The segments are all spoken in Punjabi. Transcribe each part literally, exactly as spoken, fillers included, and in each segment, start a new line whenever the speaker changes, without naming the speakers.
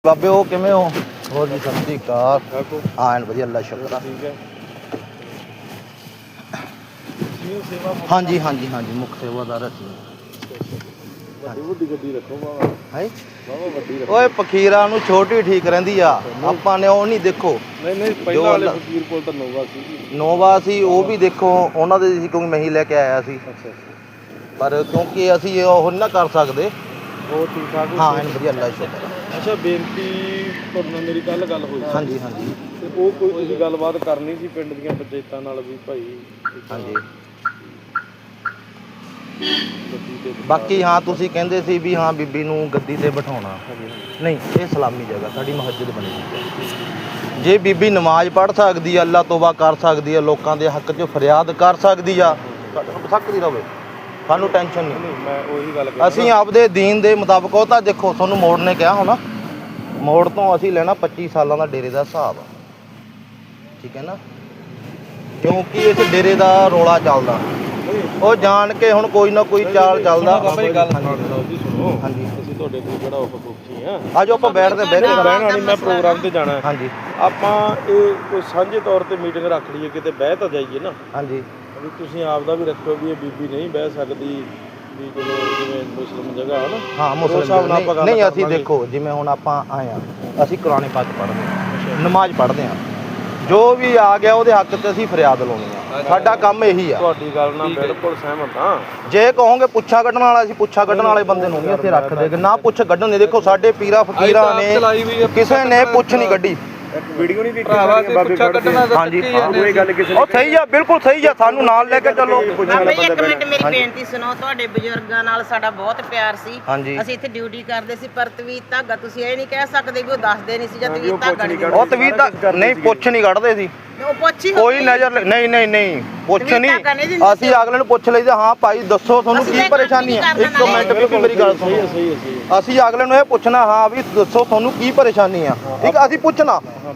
ਬਾਬੇ ਉਹ ਕਿਵੇਂ ਹੋ? ਹੋਰ ਜੀ ਸਤਿ ਸ਼੍ਰੀ ਅਕਾਲ। ਹਾਂ ਐਨ ਵਧੀਆ, ਅੱਲਾ ਸ਼ੁਕਰ ਆ।
ਠੀਕ ਹੈ।
ਹਾਂਜੀ ਹਾਂਜੀ ਹਾਂਜੀ ਮੁੱਖ ਸੇਵਾਦਾਰ ਅਸੀਂ।
ਵੱਡੀ ਵੱਡੀ ਗੱਡੀ ਰੱਖੋ ਬਾਬਾ।
ਹੈ
ਬਾਬਾ ਵੱਡੀ ਰੱਖੋ।
ਓਏ ਫਕੀਰਾਂ ਨੂੰ ਛੋਟੀ ਠੀਕ ਰਹਿੰਦੀ ਆ, ਆਪਾਂ ਨੇ ਉਹ ਨਹੀਂ ਦੇਖੋ।
ਨਹੀਂ ਨਹੀਂ ਪਹਿਲਾਂ ਵਾਲੇ ਫਕੀਰ ਕੋਲ ਤਾਂ ਨੋਵਾ ਸੀ।
ਨੋਵਾ ਸੀ ਉਹ ਵੀ ਦੇਖੋ ਉਹਨਾਂ ਦੇ ਸੀ, ਕਿਉਂਕਿ ਮੈਂ ਹੀ ਲੈ ਕੇ ਆਇਆ ਸੀ।
ਅੱਛਾ
ਪਰ ਕਿਉਂਕਿ ਅਸੀਂ ਉਹ ਨਹੀਂ ਨਾ ਕਰ ਸਕਦੇ।
ਹੋਰ ਠੀਕ ਠਾਕ ਹੋ?
ਹਾਂ ਐਨ ਵਧੀਆ, ਅੱਲਾ ਸ਼ੁਕਰ ਆ।
ਅੱਛਾ ਬੇਨਤੀ ਤੁਹਾਡੇ ਨਾਲ ਮੇਰੀ ਕੱਲ ਗੱਲ ਹੋਈ ਸੀ।
ਹਾਂਜੀ ਹਾਂਜੀ
ਤੇ ਉਹ ਕੋਈ ਤੁਸੀਂ ਗੱਲਬਾਤ ਕਰਨੀ ਸੀ ਪਿੰਡ ਦੀਆਂ ਪੰਚਾਇਤਾਂ ਨਾਲ ਵੀ ਭਾਈ।
ਹਾਂਜੀ
ਗੱਡੀ ਤੇ
ਬਾਕੀ ਹਾਂ ਤੁਸੀਂ ਕਹਿੰਦੇ ਸੀ ਵੀ ਹਾਂ ਬੀਬੀ ਨੂੰ ਗੱਦੀ ਤੇ ਬਿਠਾਉਣਾ। ਨਹੀਂ ਇਹ ਸਲਾਮੀ ਜਗ੍ਹਾ ਸਾਡੀ ਮਸਜਿਦ ਬਣੀ ਹੋਈ ਹੈ। ਜੇ ਬੀਬੀ ਨਮਾਜ਼ ਪੜ੍ਹ ਸਕਦੀ ਆ, ਅੱਲਾ ਤੋਬਾ ਕਰ ਸਕਦੀ ਆ, ਲੋਕਾਂ ਦੇ ਹੱਕ 'ਚ ਫਰਿਆਦ ਕਰ ਸਕਦੀ ਆ, ਸਕਦੀ ਰਵੇ, ਸਾਨੂੰ ਟੈਨਸ਼ਨ ਨਹੀਂ।
ਮੈਂ ਉਹੀ ਗੱਲ ਕਰ
ਅਸੀਂ ਆਪਦੇ ਦੀਨ ਦੇ ਮੁਤਾਬਕ, ਉਹ ਤਾਂ ਦੇਖੋ ਤੁਹਾਨੂੰ ਮੋੜ ਨੇ ਕਿਹਾ ਹੋਣਾ, ਮੋੜ ਤੋਂ ਅਸੀਂ ਲੈਣਾ ਪੱਚੀ ਸਾਲਾਂ ਦਾ ਡੇਰੇ ਦਾ ਹਿਸਾਬ, ਠੀਕ ਹੈ ਨਾ, ਕਿਉਂਕਿ ਇਸ ਡੇਰੇ ਦਾ ਰੌਲਾ ਚੱਲਦਾ, ਉਹ ਜਾਣ ਕੇ ਹੁਣ ਕੋਈ ਨਾ ਕੋਈ ਚਾਲ ਚੱਲਦਾ। ਹਾਂਜੀ
ਅਸੀਂ ਤੁਹਾਡੇ ਕੋਲ ਜਿਹੜਾ ਉਹ ਪੁੱਛੀ ਆ,
ਆਜੋ ਆਪਾਂ ਬੈਠਦੇ ਬਹਿ ਕੇ
ਬਹਿਣ ਵਾਲੀ, ਮੈਂ ਪ੍ਰੋਗਰਾਮ ਤੇ ਜਾਣਾ।
ਹਾਂਜੀ
ਆਪਾਂ ਇਹ ਕੋਈ ਸਾਂਝੇ ਤੌਰ ਤੇ ਮੀਟਿੰਗ ਰੱਖ ਲਈਏ, ਕਿਤੇ ਬਹਿ ਤਾਂ ਜਾਈਏ ਨਾ।
ਹਾਂਜੀ
ਵੀ ਤੁਸੀਂ ਆਪ ਦਾ ਵੀ ਰੱਖੋ ਵੀ ਇਹ ਬੀਬੀ ਨਹੀਂ ਬਹਿ ਸਕਦੀ, ਵੀ ਚਲੋ ਜਿਵੇਂ ਮੁਸਲਿਮ ਜਗ੍ਹਾ ਹੈ ਨਾ।
ਹਾਂ ਮੁਸਲਿਮ ਨਹੀਂ, ਨਹੀਂ ਅਸੀਂ ਦੇਖੋ ਜਿਵੇਂ ਹੁਣ ਆਪਾਂ ਆਏ ਆ, ਅਸੀਂ ਕੁਰਾਨ ਪਾਕ ਪੜ੍ਹਦੇ ਹਾਂ, ਨਮਾਜ਼ ਪੜ੍ਹਦੇ ਹਾਂ, ਜੋ ਵੀ ਆ ਗਿਆ ਉਹਦੇ ਹੱਕ 'ਚ ਅਸੀਂ ਫਰਿਆਦ ਲਾਉਣੀ ਆ, ਸਾਡਾ ਕੰਮ ਇਹੀ ਆ।
ਤੁਹਾਡੀ ਗੱਲ ਨਾਲ ਬਿਲਕੁਲ ਸਹਿਮਤ ਹਾਂ।
ਜੇ ਕਹੋਗੇ ਪੁੱਛਾ ਕੱਢਣ ਵਾਲਾ, ਅਸੀਂ ਪੁੱਛਾ ਕੱਢਣ ਵਾਲੇ ਬੰਦੇ ਨੂੰ ਨਹੀਂ ਇੱਥੇ ਰੱਖ ਦੇਗੇ, ਨਾ ਪੁੱਛ ਕੱਢਣ ਦੇ। ਦੇਖੋ ਸਾਡੇ ਪੀਰਾ ਫਕੀਰਾਂ ਨੇ ਕਿਸੇ ਨੇ ਪੁੱਛ ਨਹੀਂ ਕੱਢੀ।
ਵੀਡੀਓ ਨਹੀਂ ਦੇਖੀ ਪੁੱਛਾ ਕੱਢਣਾ।
ਹਾਂਜੀ ਕੋਈ ਗੱਲ ਕਿਸੇ ਉਹ ਸਹੀ ਆ, ਬਿਲਕੁਲ ਸਹੀ ਆ, ਸਾਨੂੰ ਨਾਲ ਲੈ ਕੇ ਚੱਲੋ।
ਬਾਬਾ ਜੀ ਇੱਕ ਮਿੰਟ ਮੇਰੀ ਬੇਨਤੀ ਸੁਣੋ, ਤੁਹਾਡੇ ਬਜ਼ੁਰਗਾਂ ਨਾਲ ਸਾਡਾ ਬਹੁਤ ਪਿਆਰ ਸੀ।
ਹਾਂਜੀ
ਅਸੀਂ ਇੱਥੇ ਡਿਊਟੀ ਕਰਦੇ ਸੀ, ਪਰ ਤਵੀਤ ਧਾਗਾ ਤੁਸੀਂ ਇਹ ਨਹੀਂ ਕਹਿ ਸਕਦੇ ਵੀ ਉਹ ਦੱਸਦੇ ਨਹੀਂ ਸੀ ਜਾਂ ਤਵੀਤ ਧਾਗਾ ਨਹੀਂ।
ਉਹ ਤਵੀਤ ਤਾਂ ਨਹੀਂ, ਪੁੱਛ ਨਹੀਂ ਕੱਢਦੇ ਸੀ,
ਉਹ ਪੁੱਛੀ
ਕੋਈ ਨਜ਼ਰ ਨਹੀਂ ਨਹੀਂ ਨਹੀਂ ਪੁੱਛ ਨਹੀਂ। ਅਸੀਂ ਅਗਲੇ ਨੂੰ ਪੁੱਛ ਲਈਦਾ, ਹਾਂ ਭਾਈ ਦੱਸੋ ਤੁਹਾਨੂੰ ਕੀ ਪਰੇਸ਼ਾਨੀ ਆ। ਇੱਕ ਮਿੰਟ ਵੀ ਮੇਰੀ ਗੱਲ ਸੁਣੋ, ਅਸੀਂ ਅਗਲੇ ਨੂੰ ਇਹ ਪੁੱਛਣਾ, ਹਾਂ ਵੀ ਦੱਸੋ ਤੁਹਾਨੂੰ ਕੀ ਪਰੇਸ਼ਾਨੀ ਆ, ਠੀਕ ਆ, ਅਸੀਂ ਪੁੱਛਣਾ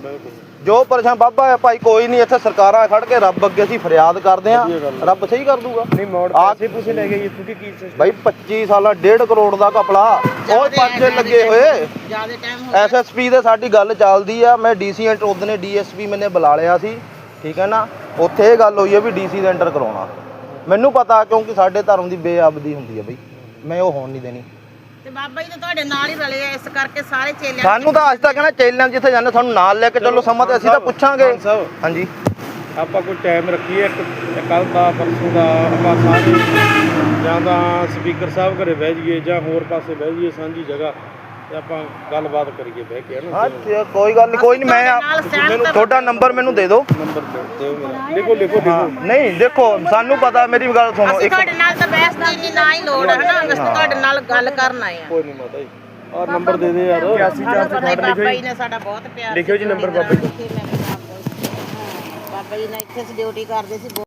ਜੋ ਪਰੇਸ਼ਾਨ। ਬਾਬਾ ਹੈ ਭਾਈ ਕੋਈ ਨਹੀਂ, ਇੱਥੇ ਸਰਕਾਰਾਂ ਖੜ ਕੇ ਰੱਬ ਅੱਗੇ ਅਸੀਂ ਫਰਿਆਦ ਕਰਦੇ ਆ, ਰੱਬ ਸਹੀ ਕਰ ਦੂਗਾ।
ਨਹੀਂ ਮੋੜ ਆਸੇ ਪੁੱਛੇ ਲੈ ਗਏ ਤੁਸੀਂ ਕੀ
ਭਾਈ ਪੱਚੀ ਸਾਲਾਂ ਡੇਢ ਕਰੋੜ ਦਾ ਘਪਲਾ, ਉਹ ਪਰਚੇ ਲੱਗੇ ਹੋਏ।
ਜਿਆਦਾ ਟਾਈਮ ਹੋ ਗਿਆ।
ਐਸ ਐਸ ਪੀ ਦੇ ਸਾਡੀ ਗੱਲ ਚੱਲਦੀ ਆ, ਮੈਂ ਡੀਸੀ ਐਂਟਰ ਉਹਦਨੇ ਡੀ ਐਸ ਪੀ ਮੈਨੇ ਬੁਲਾ ਲਿਆ ਸੀ, ਠੀਕ ਹੈ ਨਾ, ਉੱਥੇ ਇਹ ਗੱਲ ਹੋਈ ਹੈ ਵੀ ਡੀਸੀ ਦਾ ਐਂਟਰ ਕਰਾਉਣਾ। ਮੈਨੂੰ ਪਤਾ ਕਿਉਂਕਿ ਸਾਡੇ ਧਰਮ ਦੀ ਬੇਅਬਦੀ ਹੁੰਦੀ ਹੈ ਬਈ, ਮੈਂ ਉਹ ਹੋਣ ਨਹੀਂ ਦੇਣੀ।
ਤੇ ਬਾਬਾ ਜੀ ਤਾਂ ਤੁਹਾਡੇ ਨਾਲ ਹੀ ਰਲੇ ਆ, ਇਸ ਕਰਕੇ ਸਾਰੇ ਚੇਲਿਆਂ
ਸਾਨੂੰ ਤਾਂ ਅੱਜ ਤੱਕ ਨਾ ਚੇਲਿਆਂ ਜਿੱਥੇ ਜਾਂਦੇ ਸਾਨੂੰ ਨਾਲ ਲੈ ਕੇ ਚੱਲੋ, ਸਮਾਂ ਤੇ ਅਸੀਂ ਤਾਂ ਪੁੱਛਾਂਗੇ। ਹਾਂਜੀ
ਆਪਾਂ ਕੋਈ ਟਾਈਮ ਰੱਖੀਏ, ਇੱਕ ਕੱਲ ਦਾ ਪਰਸੋਂ ਦਾ, ਆਪਾਂ ਸਾਰੇ ਜਾਂ ਤਾਂ ਸਪੀਕਰ ਸਾਹਿਬ ਘਰੇ ਬਹਿ ਜਾਈਏ ਜਾਂ ਹੋਰ ਪਾਸੇ ਬਹਿ ਜਾਈਏ ਸਾਂਝੀ ਜਗ੍ਹਾ, ਤੇ ਆਪਾਂ ਗੱਲਬਾਤ ਕਰੀਏ ਬਹਿ ਕੇ, ਹੈ ਨਾ।
ਹਾਂ ਕੋਈ ਗੱਲ ਨਹੀਂ, ਕੋਈ ਨਹੀਂ, ਮੈਂ ਮੈਨੂੰ ਤੁਹਾਡਾ ਨੰਬਰ ਮੈਨੂੰ ਦੇ ਦਿਓ।
ਨੰਬਰ ਦਿਓ ਮੇਰਾ, ਲਿਖੋ ਲਿਖੋ ਲਿਖੋ।
ਨਹੀਂ ਦੇਖੋ ਸਾਨੂੰ ਪਤਾ, ਮੇਰੀ ਗੱਲ ਸੁਣੋ,
ਇੱਕ ਤੁਹਾਡੇ ਨਾਲ ਤਾਂ ਬਹਿਸ ਦੀ ਨਹੀਂ ਨਾ ਹੀ ਲੋੜ ਹੈ ਨਾ, ਅਸੀਂ ਤੁਹਾਡੇ ਨਾਲ ਗੱਲ ਕਰਨ ਆਏ ਆ।
ਕੋਈ ਨਹੀਂ ਮਾਤਾ ਜੀ, ਆਹ ਨੰਬਰ ਦੇ ਦੇ ਯਾਰ।
ਬਾਬਾ ਜੀ ਨੇ ਸਾਡਾ ਬਹੁਤ ਪਿਆਰ
ਲਿਖਿਓ ਜੀ ਨੰਬਰ ਬਾਬਾ ਜੀ।
ਬਾਬਾ ਜੀ ਨੇ ਇੱਥੇ ਡਿਊਟੀ ਕਰਦੇ ਸੀ।